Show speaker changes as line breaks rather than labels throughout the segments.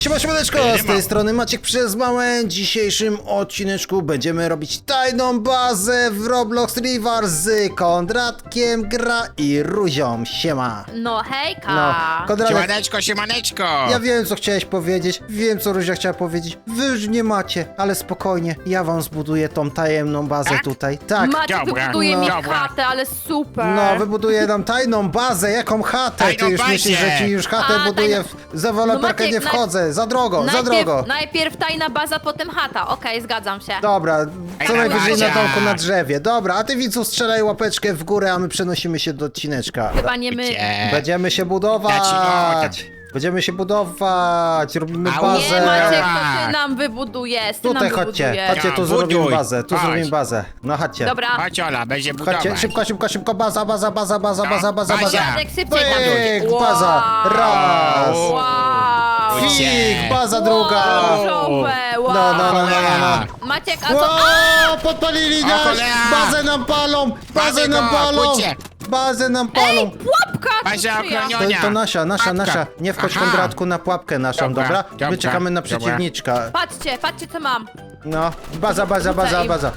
Siemaneczko, z tej strony Maciek przez małe. W dzisiejszym odcineczku będziemy robić tajną bazę w Roblox River z Kondratkiem, Gra i Ruzią. Siema.
No hejka!
Kondratek,
Siemaneczko, siemaneczko!
ja wiem co chciałeś powiedzieć, wiem co Ruzia chciała powiedzieć. Wy już nie macie, ale spokojnie, ja wam zbuduję tą tajemną bazę
Tak?
tutaj. Tak.
Maciek
Dobra,
wybuduje mi
dobra.
chatę, ale super!
No, wybuduję nam tajną bazę, jaką chatę?
Tajną
Ty już
bazę.
myślisz, że ci już chatę
A,
buduję,
tajną-
za deweloperkę
Maciek,
nie wchodzę, za drogo, za drogo.
Najpierw tajna baza, potem chata. Okej, zgadzam się.
Dobra, co
Ej,
najwyżej na
Macia.
domku na drzewie. Dobra, a ty widzu strzelaj łapeczkę w górę, a my przenosimy się do odcineczka.
Chyba nie my.
Gdzie?
Będziemy się budować. Będziemy się budować, robimy
Au.
bazę.
Nie, Maciek,
Dobra.
to ty nam wybudujesz. Ty
Tutaj
nam
chodźcie,
wybudujesz.
chodźcie, tu
Ja,
zrobimy
buduj.
bazę, tu
Chodź.
zrobimy bazę. No chodźcie.
Dobra.
Chodź Ola, będzie budować.
Chodźcie, szybko, szybko, szybko, baza, baza, baza, baza, baza, baza,
Bazia.
baza.
Maciek, szybciej tam
Pyk,
dojdzie.
baza, raz.
Wow!
Fik, baza druga.
Różowe, wow!
No.
Maciek, a co?
Ło, podpalili
O,
nas!
cholera.
Bazę nam palą! Bazę
Bazę
nam
go,
palą!
pójdźcie.
Bazę nam palą!
Pułapka!
Bazia
to czyja?
ochroniona.
To nasza,
Pułapka.
nasza. Nie wchodź
Aha.
Kondratku na pułapkę naszą,
Dobra,
dobra? My
dobra,
czekamy na
dobra.
przeciwniczka.
Patrzcie co mam.
No, baza, baza, baza,
im.
baza.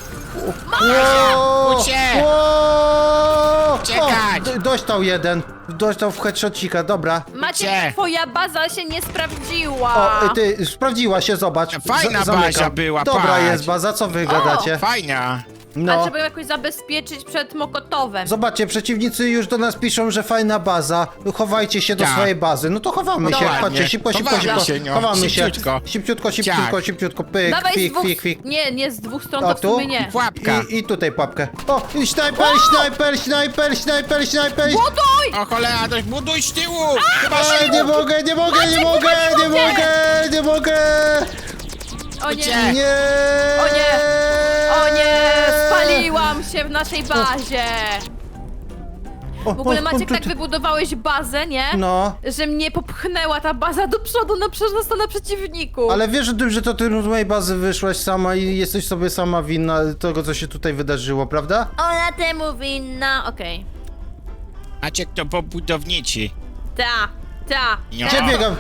Ucie. Uciekać.
Dostał jeden. Dostał w headshotcika, dobra.
Maciek,
Gdzie?
twoja baza się nie sprawdziła.
O, ty, sprawdziła się, zobacz.
Fajna
Zamykam.
baza była,
Dobra
patrz.
jest baza, co wy gadacie?
Fajna.
A
No.
trzeba ją jakoś zabezpieczyć przed Mokotowem.
Zobaczcie, przeciwnicy już do nas piszą, że fajna baza. Chowajcie się do
Tak.
swojej bazy. No to chowamy
No
się.
ładnie.
Chodźcie, szybko, szybko,
Chowamy
szybko.
się, no.
Chowamy się.
Szybciutko.
Szybciutko, szybciutko,
Tak.
szybciutko. Pyk,
Dawaj z
fik,
dwóch...
fik, fik.
Nie, z dwóch stron
O,
to w
tu?
sumie nie.
Pułapka.
I tutaj pułapkę. O, i snajper, snajper, snajper, snajper, snajper.
Buduj!
O cholera, to buduj z tyłu. Chyba
Ej, nie mogę, nie mogę, nie mogę, nie mogę, nie mogę.
O nie,
Uciekaj.
Nie.
O nie. O nie, spaliłam się w naszej bazie. W ogóle Maciek, tak wybudowałeś bazę, nie?
No.
Że mnie popchnęła ta baza do przodu na przeciwniku.
Ale wiesz o tym, że to ty z mojej bazy wyszłaś sama i jesteś sobie sama winna tego, co się tutaj wydarzyło, prawda?
Ona temu winna, okej.
Maciek to pobudowniczy.
Ta.
Ja.
Gdzie biegam?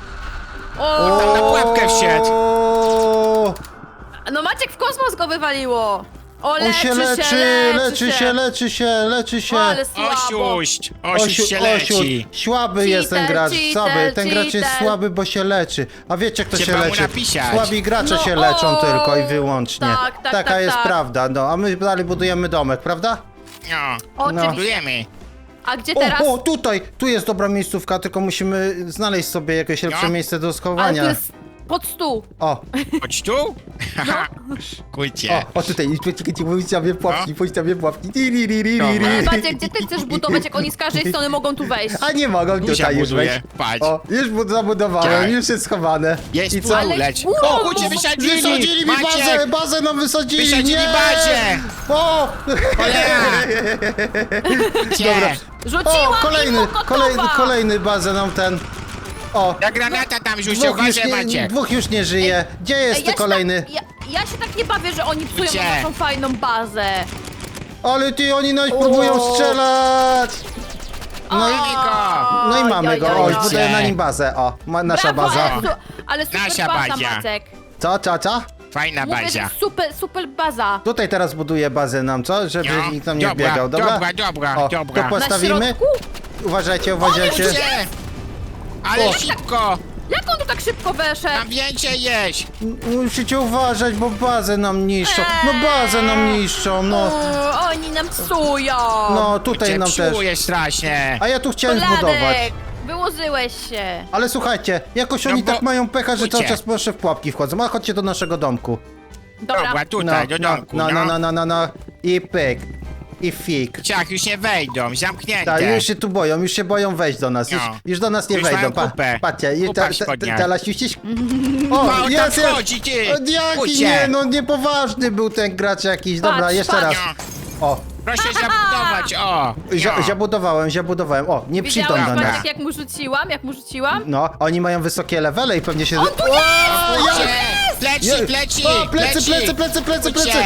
O,
Tam na pułapkę wszedł.
O,
no Maciek w kosmos go wywaliło. O,
on się leczy się.
Ale słabo.
Osiuść się leci.
Słaby jest ten
Cheater,
gracz,
cheater,
słaby. Ten gracz jest
cheater.
słaby, bo się leczy. A wiecie, kto
Trzeba
się
mu
leczy?
napisać.
Słabi gracze
No,
się leczą
o,
tylko i wyłącznie.
tak,
Taka
tak,
jest
tak.
prawda, no. A my dalej budujemy domek, prawda?
No,
Oczywiście.
budujemy.
A gdzie teraz?
O, tutaj! Tu jest dobra miejscówka, tylko musimy znaleźć sobie jakieś lepsze
No.
miejsce do
Ale
schowania.
to jest pod stół.
O,
Chodź tu. Kurcie.
o, tutaj, czekajcie, pójdź na mnie pułapki, pójdź na mnie pułapki.
Ale Maciek, gdzie ty chcesz budować, jak oni z każdej strony mogą tu wejść?
A nie mogą
Zuzia
tutaj już
buduje.
wejść.
Patrz.
O, już zabudowałem,
Tak.
już jest schowane.
Jest
I co?
Ale-
leć.
Wow.
O, kurczę, wysadzili.
Wysadzili mi bazę,
Maciek,
bazę nam wysadzili,
wysadzili
nie!
bazę.
O!
Cholera. Gdzie?
Rzuciłam
kolejny,
im Mokotowa!
kolejny bazę nam ten. O,
Ta granata tam rzucił,
dwóch już,
uważaj Maciek.
dwóch już nie żyje. Gdzie
Ej,
jest
ja się
kolejny?
Tak, ja się tak nie bawię, że oni psują
Gdzie?
naszą fajną bazę.
Ale ty, oni nas
O.
próbują strzelać! No i,
go.
no i mamy go, o, już
oj.
buduję na nim bazę, o, nasza
Brawo,
baza.
ale super
Nasza
baza,
bazia.
Maciek.
Co?
Fajna
Mówię,
bazia.
że super baza.
Tutaj teraz buduję bazę nam, co? Żeby
No.
nikt tam nie
Dobra,
biegał, dobra?
dobra,
O,
dobra.
tu postawimy.
Na środku?
Uważajcie.
Gdzie? Ale
O.
szybko.
Jak on tu tak szybko weszedł?
Tam więcej jeść.
Musicie uważać, bo bazę nam niszczą. No bazę nam niszczą, no.
Oni nam psują.
No, tutaj
Cię
nam też.
psuje strasznie.
A ja tu chciałem zbudować.
Koladek, wyłożyłeś się.
Ale słuchajcie, jakoś
No
oni
bo-
tak mają pecha, że cały
Ucie.
czas proszę w pułapki wchodzą. A chodźcie do naszego domku.
Dobra, tutaj, do domku,
no. I pyk. I fik.
Ciach, już nie wejdą, zamknięte.
Tak, już się boją wejść do nas. Już,
No.
już do nas nie
Już
wejdą.
mają kupę.
Patrzcie,
Kupa w spodniach.
teraz ściś.
O,
O,
tam
jest, jest.
wchodzi, ty.
O, jaki
Kucie.
nie, no niepoważny był ten gracz jakiś. Dobra,
Patrz,
jeszcze
patrz.
raz.
No,
O,
proszę zabudować, o. No.
zabudowałem. O, nie przyjdą
Widziałeś,
do
Dobra.
nas.
Maciek, jak mu rzuciłam?
No, oni mają wysokie levele i pewnie się...
On tu jest!
Kucie, Pleci, pleci,
O, plecy,
pleci.
plecy.
Kucie.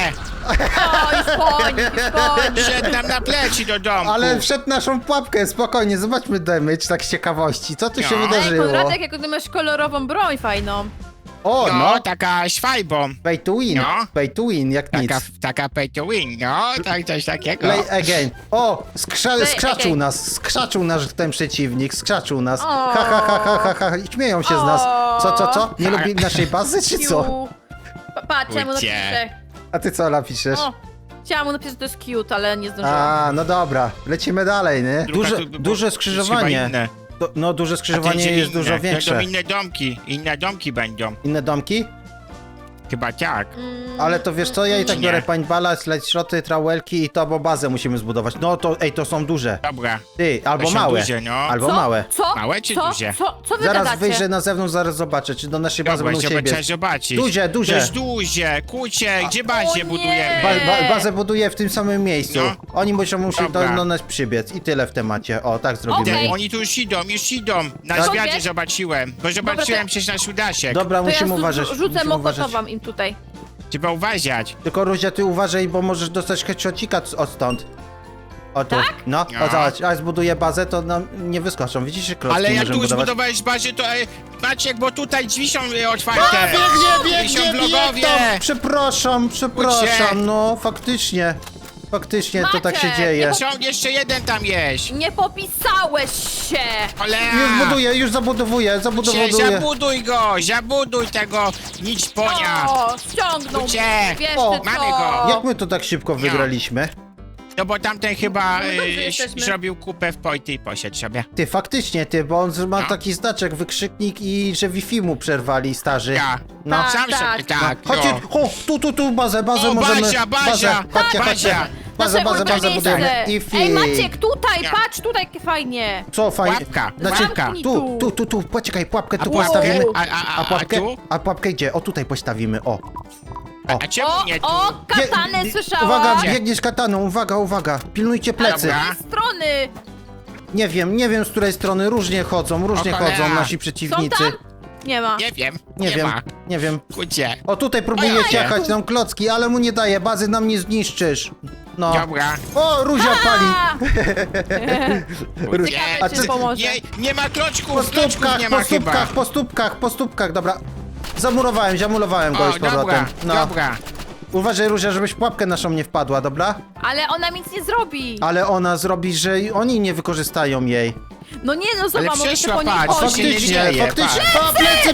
O, już po nim.
Wszedł nam na pleci do domku.
Ale wszedł naszą pułapkę, spokojnie, zobaczmy damage, tak z ciekawości. Co tu się
No.
Ej,
wydarzyło?
Konradek, jak ty masz kolorową broń fajną.
O,
No,
no,
taka szwajbą.
pay to win,
No.
pay to win, jak nic.
Taka pay to win, no, tak, coś takiego.
Play again. O,
Play
skrzaczył
again.
skrzaczył nasz ten przeciwnik, skrzaczył nas.
O.
Ha, ha, ha, ha, ha, ha. Śmieją się z nas. Co? Nie
Tak.
lubi naszej bazy, czy co?
Kiu. Patrz, ja mu
Ujcie.
napiszę.
A ty co napiszesz?
O, chciałam mu napisać, że to jest cute, ale nie zdążyłam.
A, no dobra, lecimy dalej, nie?
Druga
Duże,
tu- bo-
duże
jest
skrzyżowanie.
chyba inne.
No, duże
A to
skrzyżowanie
idzie
jest
inne.
dużo większe.
Będą inne domki będą.
Inne domki?
Chyba tak.
Ale to wiesz co, ja i tak
Nie.
biorę paintballa, slide trałelki i to, bo bazę musimy zbudować. No to, to są duże.
Dobra.
Ty, albo
są
małe.
duże, no.
Albo
Co?
małe.
Co?
Małe czy
co?
duże?
Co wy
Zaraz
gadacie?
wyjrzę na zewnątrz, zaraz zobaczę, czy do naszej bazy
Dobra,
będą
trzeba
siebie.
trzeba zobaczyć.
Duże, duże.
To jest duże, kucie, gdzie
O
bazie
nie.
budujemy?
Bazę buduję w tym samym miejscu.
No.
Oni muszą
Dobra.
do nas przybiec i tyle w temacie. O, tak zrobimy.
Okej.
Oni tu już idą. Na
Tak?
zwiadzie
Okej.
zobaczyłem. Bo zobaczyłem
to-
przecież nasz udasiek.
Dobra,
To ja
musimy uważać.
rzucę
musimy uważać.
mokotowam im tutaj.
Trzeba uważać.
Tylko Ruzia, ty uważaj, bo możesz dostać headshotcika odstąd. O tu.
Tak?
No,
No.
o zobacz, a zbuduję bazę, to nam nie wyskoczą. Widzisz, że klocki
Ale jak
możemy
tu
budować.
zbudowałeś bazę, to Maciek, bo tutaj drzwi są otwarte.
Biegnie,
Są vlogowie.
tam. Przepraszam,
Uciek.
no faktycznie. Faktycznie to tak się
Maciek,
dzieje.
Są jeszcze jeden tam jest.
Nie popisałeś się!
Cholera.
Już buduję, już zabudowuję.
Zabuduj tego nic ponia.
O, ściągnął
Uciek.
mnie, wiesz
O,
ty
mamy
co?
go.
Jak my to tak szybko wygraliśmy?
No bo tamten chyba
No dobrze jesteśmy.
zrobił kupę w pojty i poszedł sobie.
Ty, faktycznie, bo on ma
No.
taki znaczek, wykrzyknik i że Wi-Fi mu przerwali starzy.
Ja.
No.
Tak,
Sam
tak.
sobie tak.
Chodźcie,
no.
tu, bazę
O,
możemy...
Bazia,
Chodźcie,
Bazia.
Bazę
Nasze ulubione
budujemy.
miejsce.
I fi.
Ej, Maciek, tutaj,
Ja.
patrz, tutaj fajnie.
Co fajnie?
Łapka,
Znaczy,
łapka.
tu, poczekaj, pułapkę tu
pułapkę?
postawimy.
A
pułapkę?
tu?
A pułapkę gdzie? O, tutaj postawimy, o.
A czemu nie tu?
O, katanę
Bie-
słyszałam.
Uwaga,
Gdzie?
biegniesz kataną, uwaga. Pilnujcie plecy.
Dobra.
Z tej strony.
Nie wiem z której strony, różnie chodzą
O, cholera.
nasi
Są
przeciwnicy.
tam? Nie ma.
Nie wiem.
Nie wiem.
Kucie.
O, tutaj próbuje
Ojej.
ciachać nam klocki, ale mu nie daje, bazy nam nie zniszczysz. No.
Dobra.
O, Ruzia pali.
A!
Kucie.
A
Ciekawe,
ty-
czy pomoże.
Nie ma kloczków, kloczków nie ma chyba.
Po stópkach, dobra. Zamurowałem go już z
O, dobra,
powrotem. No.
dobra.
Uważaj, Ruzia, żebyś w pułapkę naszą nie wpadła, dobra?
Ale ona nic nie zrobi.
Ale ona zrobi, że oni nie wykorzystają jej.
No nie, no zobacz, mogę się
przeszła,
po niej
patrz,
chodzić.
się nie dzieje,
Faktycznie.
patrz.
O,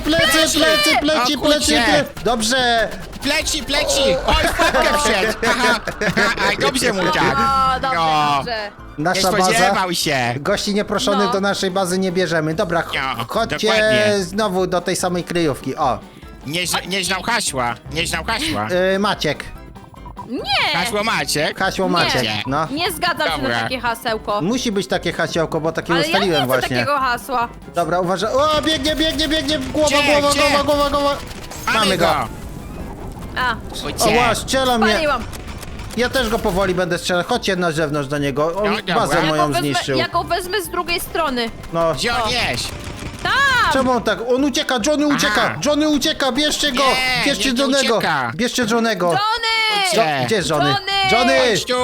plecy.
O, kurczę.
Dobrze.
Pleci. Oj, w pułapkę wszedł. Aha. Aj, dobrze mu tak.
O, dobrze,
No.
dobrze.
Nie
Nasza baza.
spodziewał się.
Gości nieproszonych
No.
do naszej bazy nie bierzemy. Dobra,
No,
chodźcie
dokładnie.
znowu do tej samej kryjówki. O,
Nie znał hasła.
Maciek.
Nie!
Hasło Maciek.
Maciek. No.
Nie zgadzam się
Dobra.
na takie hasełko.
Musi być takie hasiołko, bo takie
Ale ja nie
ustaliłem
chcę
właśnie.
takiego hasła.
Dobra, uważaj. O, biegnie. Głowa.
Gdzie?
Mamy go.
A,
O, ła, strzela mnie.
spaliłam.
Ja też go powoli będę strzelał. Chodźcie na zewnątrz do niego. On
No, dobra.
bazę
Ja
moją
wezmę,
zniszczył.
ja go wezmę z drugiej strony.
No.
Gdzie on jest?
Tam!
Czemu on tak? On ucieka, Johnny ucieka, bierzcie go!
Nie,
Bierzcie
nie
Johnnego!
ucieka.
Bierzcie Johnnego!
Johnny!
Gdzie?
Gdzie jest Johnny?
Johnny!
Chodź tu.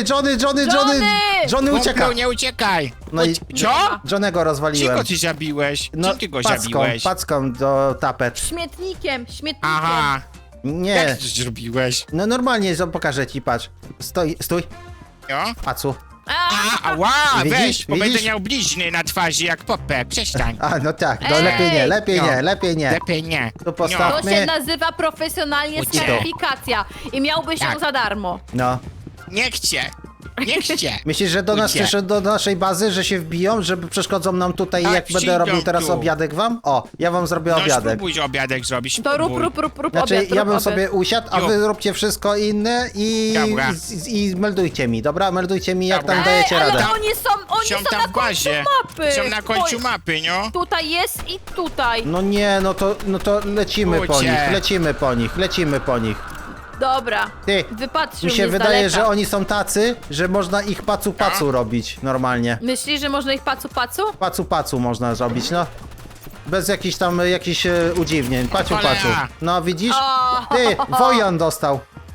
Johnny ucieka!
Kumplu, nie uciekaj.
No i
Co?
Johnnego rozwaliłem.
Czego ty zabiłeś?
No,
Czym ty go zabiłeś?
packą do tapet.
Śmietnikiem.
Aha. Jak
Nie,
ty to zrobiłeś?
no normalnie, pokażę ci, patrz. Stój,
No?
pacu.
Ała,
Widzisz?
weź, bo
Widzisz?
będę miał blizny na twarzy jak Popę. Przestań.
A, no tak, no
Ej!
lepiej nie,
No.
lepiej nie.
Lepiej nie.
To postaw-
To się nazywa profesjonalnie
Uciek.
certyfikacja i miałbyś ją
Tak.
za darmo.
No.
Nie chcę. Nie chcę.
Myślisz, że do nas
Uciek.
przyszedł do naszej bazy, że się wbiją, żeby przeszkodzą nam tutaj,
Tak,
jak będę
przyjdą
robił teraz
tu.
obiadek wam? O, ja wam zrobię
No
obiadek.
spróbuj obiadek zrobić.
To rób
spróbuj.
Znaczy,
obiad,
ja
rób
bym
obiad.
sobie usiadł, a
Jo.
wy róbcie wszystko inne
Dobra.
i meldujcie mi, dobra? Meldujcie mi, jak
Dobra.
tam dajecie
ale
radę.
oni są
Są tam
na
w
końcu
bazie.
mapy.
Są na końcu
Oj,
mapy, no.
Tutaj jest i tutaj.
No nie, no to lecimy po
Kurczę.
nich, lecimy po nich.
Dobra.
Ty,
Wypatrzył
mi się
mnie z
wydaje,
daleka.
że oni są tacy, że można ich pacu robić normalnie.
Myślisz, że można ich pacu?
Pacu można zrobić, no. Bez jakichś udziwnień. Paciu.
Cholera.
No widzisz?
O.
Ty, Wojan dostał.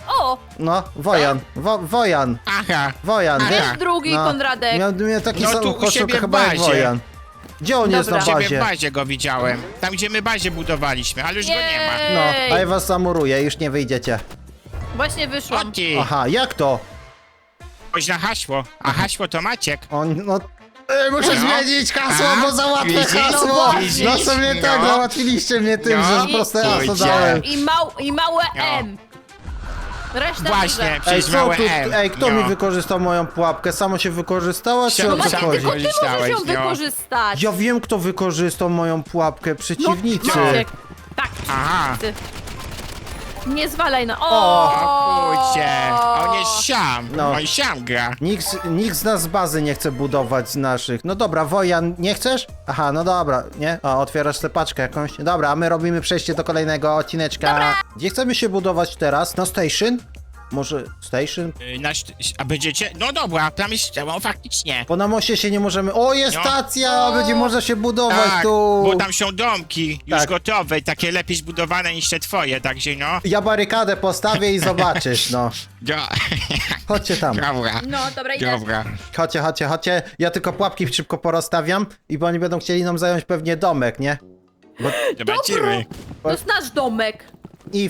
O!
No, Wojan, Wojan,
Aha.
Wojan,
Aha.
wiesz?
Jest drugi Konradek.
Miał taki
No
sam
tu u
koszulkę
siebie w
chyba jak
bazie.
Wojan. Gdzie on jest na
Dobra.
Ciebie w
bazie?
bazie go widziałem. Tam, gdzie my bazie budowaliśmy, ale już go nie ma.
No,
Ej.
a ja was zamuruję, już nie wyjdziecie.
Właśnie wyszłam.
O ty,
Aha, jak to?
chodź na hasło. A hasło to Maciek.
On, no... muszę
No.
zmienić hasło,
A,
bo załatwię
widzisz?
hasło!
Widzisz?
No sobie tak,
No.
załatwiliście mnie tym,
No.
że proste hasło
Pójdzie.
dałem.
I małe
No.
M. Reszta
Właśnie,
duże.
Ej,
przecież
co
małe
tu,
M.
kto
No.
mi wykorzystał moją pułapkę? Samo się wykorzystała, czy
No
o co
Maciek,
chodzi?
tylko ty możesz
Korzystałeś,
ją
no.
wykorzystać.
Ja wiem, kto wykorzystał moją pułapkę, przeciwnicy.
No, Maciek. Tak,
Aha.
ty. Nie zwalaj na...
O kurcie, on jest siam.
No.
On siam gra.
Nikt z nas z bazy nie chce budować z naszych. No dobra, Wojan, nie chcesz? Aha, no dobra, nie? O, otwierasz tę paczkę jakąś. Dobra, a my robimy przejście do kolejnego odcineczka. Gdzie chcemy się budować teraz? Na station? Może station?
A będziecie? No dobra, tam jest, no faktycznie.
Bo na moście się nie możemy... O, jest
No.
stacja! Będzie można się budować
Tak,
tu!
bo tam są domki już
Tak.
gotowe, takie lepiej zbudowane niż te twoje, także no.
Ja barykadę postawię i zobaczysz, no. Chodźcie tam.
Dobra.
No, dobra, idę.
Dobra.
Chodźcie. Ja tylko pułapki szybko porozstawiam i bo oni będą chcieli nam zająć pewnie domek, nie?
Zobaczymy.
To jest nasz domek.
I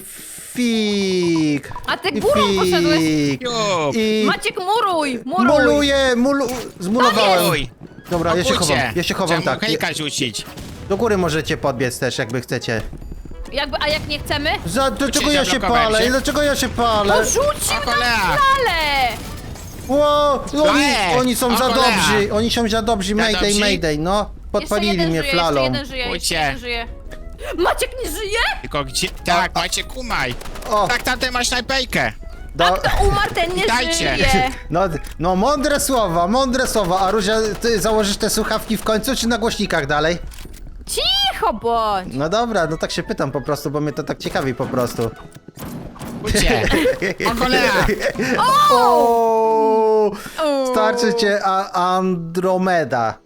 fig.
A ty
I
górą poszedłeś.
Jup.
I
Maciek, muruj!
zmulowałem.
Oj.
Dobra, ja się
Obudźcie.
chowam,
Trzeba
tak.
hejka rzucić.
Do góry możecie podbiec też, jakby chcecie.
A jak nie chcemy?
Dlaczego ja się
zablokowałem
palę?
się.
Dlaczego ja się palę?
Porzucił
O
nam
cholera.
salę!
Ło, oni są
o
za
cholera.
dobrzy, oni są za dobrzy, mayday,
dobrzy?
mayday, no. Podpalili mnie flalą.
Jeszcze jeden żyje, jeszcze
Pójdźcie.
jeden żyje. Maciek nie żyje?
Tylko gdzie? Tak, macie kumaj.
O,
Tak, tamten masz snajpejkę.
Umarł, ten nie
Dajcie.
żyje.
No mądre słowa, a Ruzia, ty założysz te słuchawki w końcu, czy na głośnikach dalej?
Cicho bądź.
No dobra, no tak się pytam po prostu, bo mnie to tak ciekawi po prostu.
Pójdźcie. O cholera.
O, starczy cię Andromeda.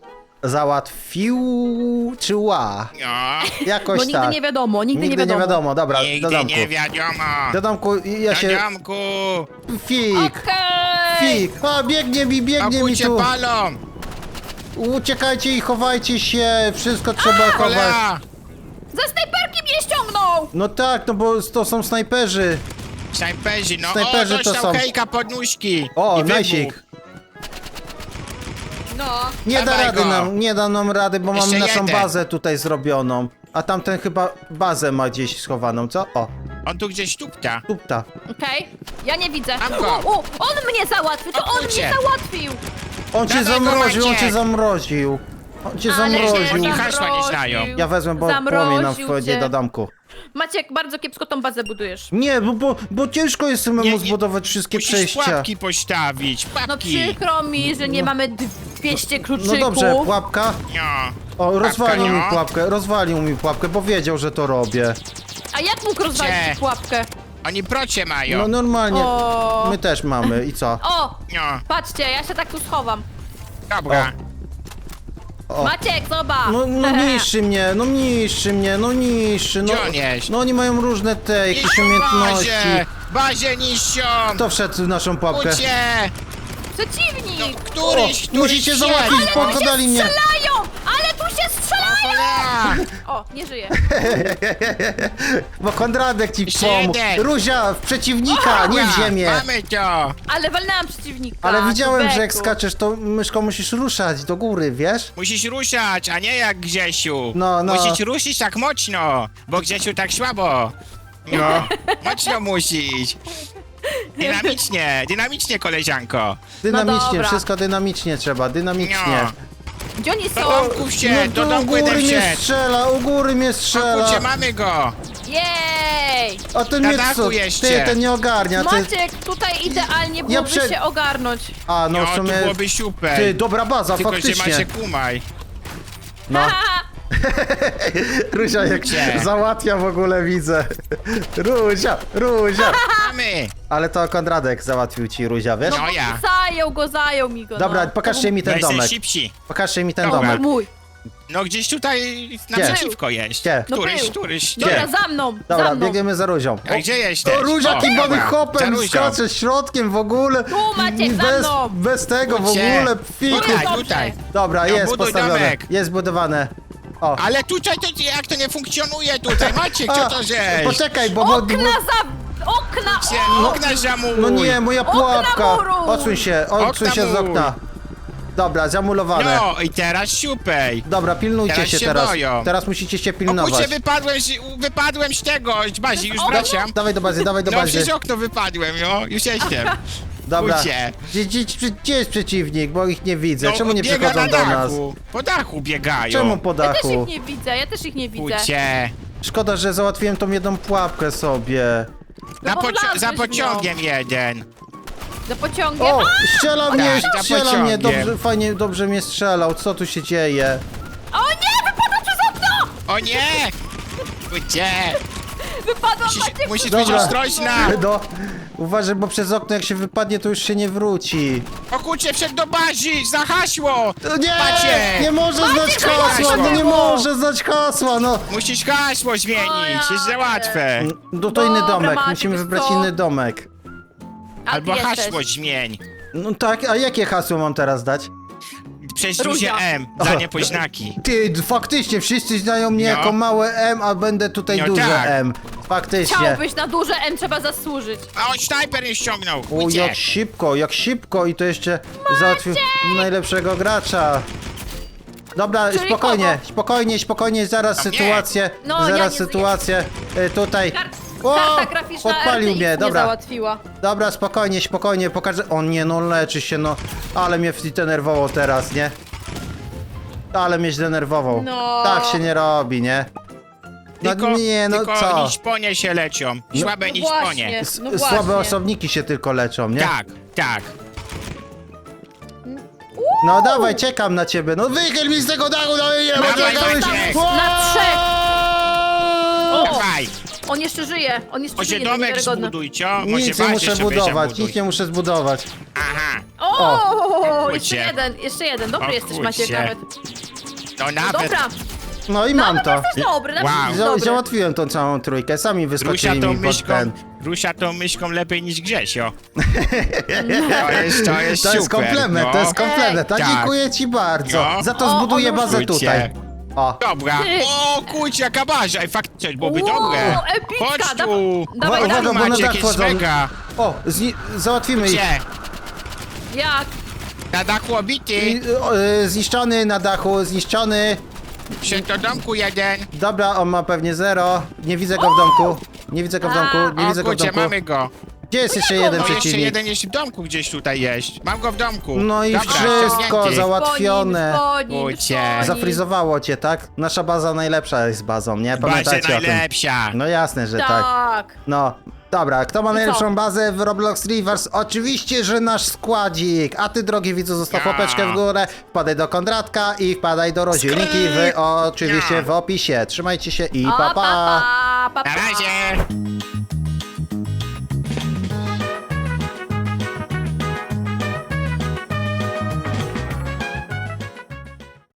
Załatwiła.
No.
Jakoś
Bo nigdy
tak.
nie wiadomo, nigdy nie
Nigdy nie wiadomo, dobra, do
Nigdy
domku.
nie wiadomo.
Do domku ja
Do
się...
domku.
Fig,
Okej.
fig. A, biegnie mi
Obudźcie
tu.
palą.
Uciekajcie i chowajcie się, wszystko trzeba chować.
Cholera.
Za snajperki mnie ściągnął!
No tak, no bo to są snajperzy.
Snajperzy, no.
Snajperzy
o,
to
dostał
są.
hejka pod nóżki.
O,
I wybuch.
najsik.
No.
Nie da
Dawaj
rady
go.
nie da nam rady, bo
Jeszcze
mamy naszą
jeden.
bazę tutaj zrobioną. A tamten chyba bazę ma gdzieś schowaną, co? O,
On tu gdzieś tupta.
tupta.
Okej, ja nie widzę.
Mam go.
On mnie załatwił, to on
Odwróćcie.
mnie załatwił!
On cię
Dawaj go,
zamroził, on
Maciek.
cię zamroził. On cię
Ale
zamroził.
Oni
mnie
hasła nie znają.
zamroził.
Ja wezmę, bo
Zamroził
płomień nam wchodzi
cię.
do domku.
Maciek, bardzo kiepsko tą bazę budujesz.
Nie, bo ciężko jest samemu
Nie,
zbudować wszystkie
Musisz
przejścia.
pułapki postawić.
No
Pułapki.
przykro mi, że nie mamy 200 kluczyków.
No dobrze, pułapka.
No.
O,
Pułapka, no.
rozwalił mi pułapkę, bo wiedział, że to robię.
A jak mógł rozwalić
Gdzie?
ci pułapkę?
Oni procie mają.
No normalnie.
O.
My też mamy i co?
O!
No.
Patrzcie, ja się tak tu schowam.
Dobra.
O.
Maciek, zobacz!
No niszczy mnie, no niszczy. No,
Gdzie on jest?
no oni mają różne te jakieś
Niszczą
umiejętności.
Bazie. Bazie niszczą.
Kto wszedł w naszą pułapkę?
Ucie.
Przeciwnik!
Któryś
musicie
wszedł.
załatwić,
Ale tu
podali
się
mnie.
strzelają! Ale tu się strzelają!
Cholera.
O, nie żyje.
Bo Konradek ci
Jeszcze
pomógł.
jeden.
Ruzia, w przeciwnika, nie w
Dobra,
ziemię.
Mamy to.
Ale walnęłam przeciwnika.
Ale widziałem, że jak
Beku.
skaczesz, to myszką musisz ruszać do góry, wiesz?
Musisz ruszać, a nie jak Grzesiu.
No.
Musisz ruszyć tak mocno, bo Grzesiu tak słabo. No, mocno musisz. Dynamicznie, koleżanko.
Dynamicznie,
dobra.
wszystko dynamicznie trzeba, dynamicznie.
No.
Gdzie oni są?
Do domków się, do
u
domku
góry
jeden
mnie
wszedł.
strzela, u góry mnie strzela.
Kurczę, mamy go.
Jej!
A ten
Na
mnie
dachu
co?
jeszcze.
Ty, ten nie ogarnia. Ty...
Maciek, tutaj idealnie byłoby
prze-
się ogarnąć.
A, no
No,
w
to
sumie...
byłoby super.
Ty, dobra baza,
Tylko, że
faktycznie.
macie kumaj.
No.
Haha,
Ruzia jak
Gdzie?
załatwia w ogóle, widzę. Ruzia.
Mamy.
Ale to Konradek załatwił ci, Ruzia, wiesz?
No ja.
zajął mi go.
Dobra,
no.
pokażcie mi ten
No jesteś
domek.
szybsi.
Pokażcie mi ten
Dobra.
domek.
Mój.
No gdzieś tutaj naprzeciwko jest.
Gdzie?
No
Któryś,
był.
któryś.
Dobra,
Gdzie?
za mną,
Dobra,
za mną.
biegniemy za Ruzią.
A gdzie jesteś?
O, Ruzia
O,
kimbany
dobra, za
hopem,
Ruzią.
skacze środkiem w ogóle.
Tu Maciek, za
bez,
mną.
bez tego w
Gdzie?
ogóle, fiku.
Tutaj,
Dobrze.
tutaj.
Dobra,
No,
jest
buduj
postawione.
domek.
Jest budowane. O,
Ale tutaj to jak to nie funkcjonuje tutaj? Maciek, co to żeś?
poczekaj, bo...
Okna za... Okna!
Gdzie? Okna zamuj.
No nie, moja
Okna
pułapka.
muru.
Odsuń się
Okna
z
mur.
okna. Dobra, zamulowane.
No i teraz siupej.
Dobra, pilnujcie
Teraz
się
się
teraz.
boją.
Teraz musicie się
O kurczę,
pilnować.
wypadłem z tego, z bazi, już
O,
wracam.
Dawaj do bazy, dawaj do
No
bazy.
przez okno wypadłem, no, już jestem.
Dobra.
Kurczę.
Gdzie jest przeciwnik, bo ich nie widzę. Czemu nie
biega
przychodzą
na
do nas?
dachu. Po dachu biegają.
Czemu po
Ja też
dachu?
ich nie widzę, ja też ich nie widzę.
Kurczę.
Szkoda, że załatwiłem tą jedną pułapkę sobie.
No bo wlazłeś
Za
w nią.
pociągiem jeden.
Za pociągiem.
O! Strzela mnie,
za
strzela mnie,
pociągiem.
dobrze, fajnie, dobrze mnie strzelał. Co tu się dzieje?
O nie, wypadłam przez okno!
O nie! Kurczę.
Wypadłam, Maciek,
Musisz
przez
być
okno.
ostrożna.
No, uważaj, bo przez okno jak się wypadnie, to już się nie wróci.
O kurczę, wszedł do bazi, za hasło.
Nie!
Maciek.
Nie może
Maciek,
znać
Maciek,
hasła, no nie
Maciek.
może znać hasła, no.
Musisz hasło zmienić, jest za łatwe.
No to inny
Dobra,
domek,
Maciek,
musimy
wiesz
wybrać
co?
inny domek.
A ty
Albo
jesteś.
hasło zmień.
No tak, a jakie hasło mam teraz dać?
Przez duże
Ruzia.
M, za niepoznaki.
Ty, faktycznie, wszyscy znają mnie
No.
jako małe M, a będę tutaj
No
duże
tak.
M. Faktycznie.
Chciałbyś na duże M, trzeba zasłużyć.
A on snajper nie ściągnął.
O,
Kurczę.
jak szybko i to jeszcze załatwił najlepszego gracza. Dobra,
Czyli
spokojnie, zaraz
No nie.
sytuację,
No, ja
zaraz
nie
sytuację tutaj. O,
Karta graficzna
podpalił
RTX
mnie,
nie
dobra.
załatwiła.
Dobra, spokojnie, pokażę. O nie, no leczy się, no. Ale mnie zdenerwował teraz, nie? Ale mnie zdenerwował.
No.
Tak się nie robi, nie? No nie, no
tylko
co?
niszponie się lecią. Słabe
No
niszponie.
właśnie. No właśnie.
Słabe osobniki się tylko leczą, nie?
Tak, tak.
No dawaj, czekam na ciebie. No wychyl mi z tego dachu, no nie, bo
Dawaj,
czekałeś.
Maciek.
Na trzech. O,
Dawaj.
on jeszcze żyje, on jeszcze
Może
żyje,
domek
niewiarygodne.
zbuduj, co? Może
Nic nie
bazę
muszę
sobie
budować,
zabuduj.
nic nie muszę zbudować.
Aha,
O,
kurczę.
jeszcze jeden. Dobry
O
jesteś, Maciek,
kurczę.
nawet.
to nawet...
Dobra,
No i mam
nawet
to.
jesteś dobry, nawet
Wow.
jesteś dobry.
Załatwiłem tą całą trójkę, sami
Rusia
wyskoczyli
tą
mi pod ten.
myszką, Rusia tą myszką lepiej niż Grzesio. To jest
To jest
super,
komplement,
no.
to jest komplement. Tak,
Tak.
dziękuję ci bardzo.
No.
Za to
O,
zbuduję
on
bazę
ruszył
tutaj.
cię.
O.
Dobra.
Ty.
O kurczę, jaka baza. Ej, faktycznie, byłoby
Wow,
dobre.
epicka,
Chodź
da-
tu.
dawaj,
Uwaga,
dawaj.
bo na
Maciek
dach
jest
wchodzą.
mega.
O, załatwimy ich.
Gdzie?
Jak?
Na dachu obity.
Zniszczony na dachu, zniszczony.
Przy to domku jeden.
Dobra, on ma pewnie 0. Nie widzę go w domku. Nie widzę go w domku, nie
O
widzę go w
kurczę,
domku.
mamy go.
Gdzie jest jeszcze jeden
No jeszcze
przeciwnik?
jeden jest w domku gdzieś tutaj jest. Mam go w domku.
No i
Dobra,
wszystko
ściągnięty.
załatwione.
Kurczę.
Zafrizowało cię, tak? Nasza baza najlepsza jest bazą, nie?
Baza
Pamiętajcie o tym.
najlepsza.
No jasne, że tak.
Tak.
No, dobra, kto ma
I
najlepszą
co?
bazę w Roblox Rivers? Oczywiście, że nasz składzik. A ty, drogi widzu, zostaw
Ja.
łapeczkę w górę, wpadaj do Kondratka i wpadaj do Rodzielniki oczywiście
Ja.
w opisie. Trzymajcie się i
O,
pa pa!
pa, pa, pa,
Na
pa.
razie.